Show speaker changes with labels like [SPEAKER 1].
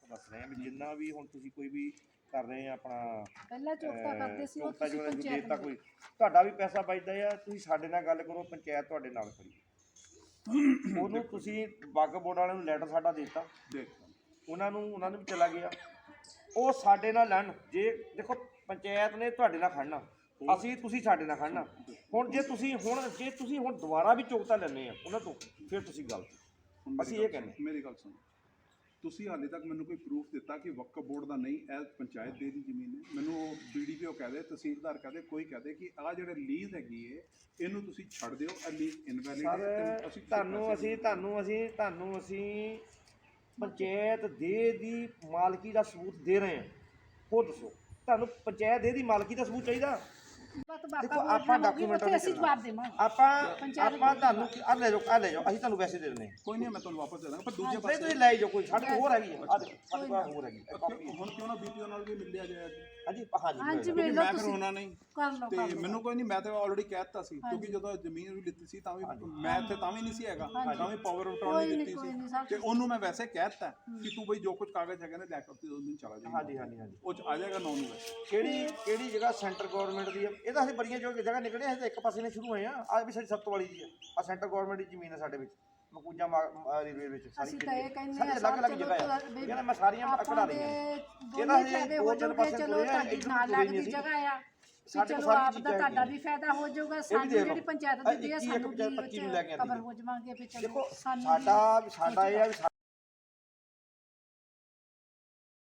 [SPEAKER 1] ਦੱਸ ਰਹੇ ਹਾਂ ਵੀ ਜਿੰਨਾ ਵੀ ਹੁਣ ਤੁਸੀਂ ਕੋਈ ਵੀ ਕਰ ਰਹੇ ਆ ਆਪਣਾ
[SPEAKER 2] ਪਹਿਲਾਂ ਚੌਕਤਾ ਕਰਦੇ ਸੀ, ਉਹ
[SPEAKER 1] ਚੌਕਤਾ
[SPEAKER 2] ਤੁਸੀਂ
[SPEAKER 1] ਜੋ
[SPEAKER 2] ਪੰਚਾਇਤ
[SPEAKER 1] ਤਾਂ ਕੋਈ ਤੁਹਾਡਾ ਵੀ ਪੈਸਾ ਬਚਦਾ ਆ, ਤੁਸੀਂ ਸਾਡੇ ਨਾਲ ਗੱਲ ਕਰੋ, ਪੰਚਾਇਤ ਤੁਹਾਡੇ ਨਾਲ ਖੜੀ ਹੈ। ਉਹਨੂੰ ਤੁਸੀਂ ਵਕਫ ਬੋਰਡ ਵਾਲਿਆਂ ਨੂੰ ਲੈਟਰ ਸਾਡਾ ਦੇ ਦਿੱਤਾ, ਉਹਨਾਂ ਨੂੰ ਵੀ ਚਲਾ ਗਿਆ, ਉਹ ਸਾਡੇ ਨਾਲ ਲੜਨ। ਜੇ ਦੇਖੋ ਪੰਚਾਇਤ ਨੇ ਤੁਹਾਡੇ ਨਾਲ ਖੜਨਾ, ਅਸੀਂ ਤੁਸੀਂ ਸਾਡੇ ਨਾਲ ਖੜਨਾ। ਹੁਣ ਜੇ ਤੁਸੀਂ ਹੁਣ ਦੁਬਾਰਾ ਵੀ ਚੌਕਤਾ ਲੈਂਦੇ ਆ ਉਹਨਾਂ ਤੋਂ, ਫਿਰ ਤੁਸੀਂ ਗਲਤ। ਅਸੀਂ ਇਹ ਕਹਿੰਦੇ।
[SPEAKER 3] ਮੇਰੀ ਗੱਲ ਸੁਣੋ, ਤੁਸੀਂ ਹਾਲੇ ਤੱਕ ਮੈਨੂੰ ਕੋਈ ਪ੍ਰੂਫ ਦਿੱਤਾ ਕਿ ਵਕਫ ਬੋਰਡ ਦਾ ਨਹੀਂ, ਇਹ ਪੰਚਾਇਤ ਦੇ ਦੀ ਜ਼ਮੀਨ ਹੈ? ਮੈਨੂੰ ਉਹ BDPO ਕਹਦੇ, ਤਹਿਸੀਲਦਾਰ ਕਹਦੇ, ਕੋਈ ਕਹਦੇ ਕਿ ਆਹ ਜਿਹੜੇ ਲੀਜ਼ ਹੈਗੀ ਹੈ ਇਹਨੂੰ ਤੁਸੀਂ ਛੱਡ ਦਿਓ, ਇਹ ਲੀਜ਼ ਇਨਵੈਲਿਡ ਹੈ।
[SPEAKER 1] ਤੁਹਾਨੂੰ ਅਸੀਂ ਪੰਚਾਇਤ ਦੇ ਦੀ ਮਾਲਕੀ ਦਾ ਸਬੂਤ ਦੇ ਰਹੇ ਹਾਂ। ਹੋਰ ਦੱਸੋ, ਤੁਹਾਨੂੰ ਪੰਚਾਇਤ ਦੇ ਦੀ ਮਾਲਕੀ ਦਾ ਸਬੂਤ ਚਾਹੀਦਾ? ਦੇਖੋ ਆਪਾਂ ਡਾਕੂਮੈਂਟ
[SPEAKER 2] ਅਸੀਂ ਜਵਾਬ ਦੇਵਾਂਗੇ।
[SPEAKER 1] ਆਪਾਂ ਤੁਹਾਨੂੰ ਆ ਲੈ ਜਾਓ, ਅਸੀਂ ਤੁਹਾਨੂੰ ਵੈਸੇ ਦੇ ਦਿੰਦੇ ਹਾਂ।
[SPEAKER 3] ਕੋਈ ਨਹੀਂ, ਮੈਂ ਤੁਹਾਨੂੰ ਵਾਪਸ ਦੇ ਦਾਂਗਾ, ਪਰ ਦੂਜੇ
[SPEAKER 1] ਨਹੀਂ
[SPEAKER 3] ਪਾਸੇ
[SPEAKER 1] ਤੁਸੀਂ ਲੈ ਜਾਓ, ਕੋਈ ਸਾਡੇ ਕੋਲ ਹੋਰ ਹੈਗੀ ਆ, ਆ ਦੇਖੋ ਸਾਡੇ ਕੋਲ ਹੋਰ ਹੈਗੀ
[SPEAKER 3] ਹੁਣ ਕਿਉਂ ਨਾ BPO ਨਾਲ ਵੀ ਮਿਲ ਲਿਆ ਜਾਏ।
[SPEAKER 1] ਹਾਂਜੀ
[SPEAKER 2] ਹਾਂਜੀ
[SPEAKER 3] ਕਿਉਂਕਿ ਮੈਂ ਫਿਰ ਹੋਣਾ ਨਹੀਂ
[SPEAKER 2] ਕਰ ਲਓ,
[SPEAKER 3] ਤੇ ਮੈਨੂੰ ਕੋਈ ਨਹੀਂ, ਮੈਂ ਤਾਂ ਆਲਰੇਡੀ ਕਹਿ ਦਿੱਤਾ ਸੀ, ਕਿਉਂਕਿ ਜਦੋਂ ਜ਼ਮੀਨ ਵੀ ਲਿੱਤੀ ਸੀ ਤਾਂ ਵੀ ਮੈਂ ਇੱਥੇ ਤਾਂ ਵੀ ਨਹੀਂ ਸੀ ਹੈਗਾ, ਤਾਂ ਵੀ ਪਾਵਰ ਆਫ ਅਟਾਰਨੀ ਦਿੱਤੀ ਸੀ, ਤੇ ਉਹਨੂੰ ਮੈਂ ਵੈਸੇ ਕਹਿ ਦਿੱਤਾ ਕਿ ਤੂੰ ਬਈ ਜੋ ਕੁਝ ਕਾਗਜ਼ ਹੈਗੇ ਨੇ ਲੈ ਕੇ ਉਸ ਦਿਨ ਚਲਾ ਜਾਈਂ।
[SPEAKER 1] ਹਾਂਜੀ
[SPEAKER 3] ਉਹ 'ਚ ਆ ਜਾਏਗਾ 9 ਨੂੰ।
[SPEAKER 1] ਕਿਹੜੀ ਜਗ੍ਹਾ ਸੈਂਟਰ ਗਵਰਨਮੈਂਟ ਦੀ ਹੈ? ਇਹ ਤਾਂ ਅਸੀਂ ਬੜੀਆਂ ਜਗ੍ਹਾ ਨਿਕਲੇ, ਅਸੀਂ ਤਾਂ ਇੱਕ ਪਾਸੇ ਨੇ ਸ਼ੁਰੂ ਹੋਏ ਆ। ਆ ਵੀ ਸਾਡੀ ਸੱਤ ਵਾਲੀ ਦੀ ਆ ਸੈਂਟਰ ਗਵਰਨਮੈਂਟ ਦੀ ਜ਼ਮੀਨ ਹੈ ਸਾਡੇ ਵਿੱਚ, ਮਕੂਜਾ ਰੇਲਵੇ ਵਿੱਚ ਸਾਰੀ ਅਲੱਗ ਜਗ੍ਹਾ ਹੈ। ਇਹਨਾਂ ਮੈਂ ਸਾਰੀਆਂ ਕਢਾ ਲਈਆਂ। ਇਹਦਾ ਅਸੀਂ ਦੋ ਤਿੰਨ ਪਾਸੇ
[SPEAKER 2] ਚਲੋ ਤੁਹਾਡੀ ਨਾਲ ਲੱਗਦੀ ਜਗ੍ਹਾ ਆ, ਚਲੋ ਆਪ ਦਾ ਤੁਹਾਡਾ ਵੀ ਫਾਇਦਾ ਹੋ ਜਾਊਗਾ, ਸਾਨੂੰ ਜਿਹੜੀ ਪੰਚਾਇਤ ਦਿੱਤੀ ਹੈ ਸਾਨੂੰ ਵੀ ਕਵਰ ਹੋ ਜਾਵਾਂਗੇ। ਵੀ ਚਲੋ
[SPEAKER 1] ਸਾਡਾ ਇਹ ਆ ਵੀ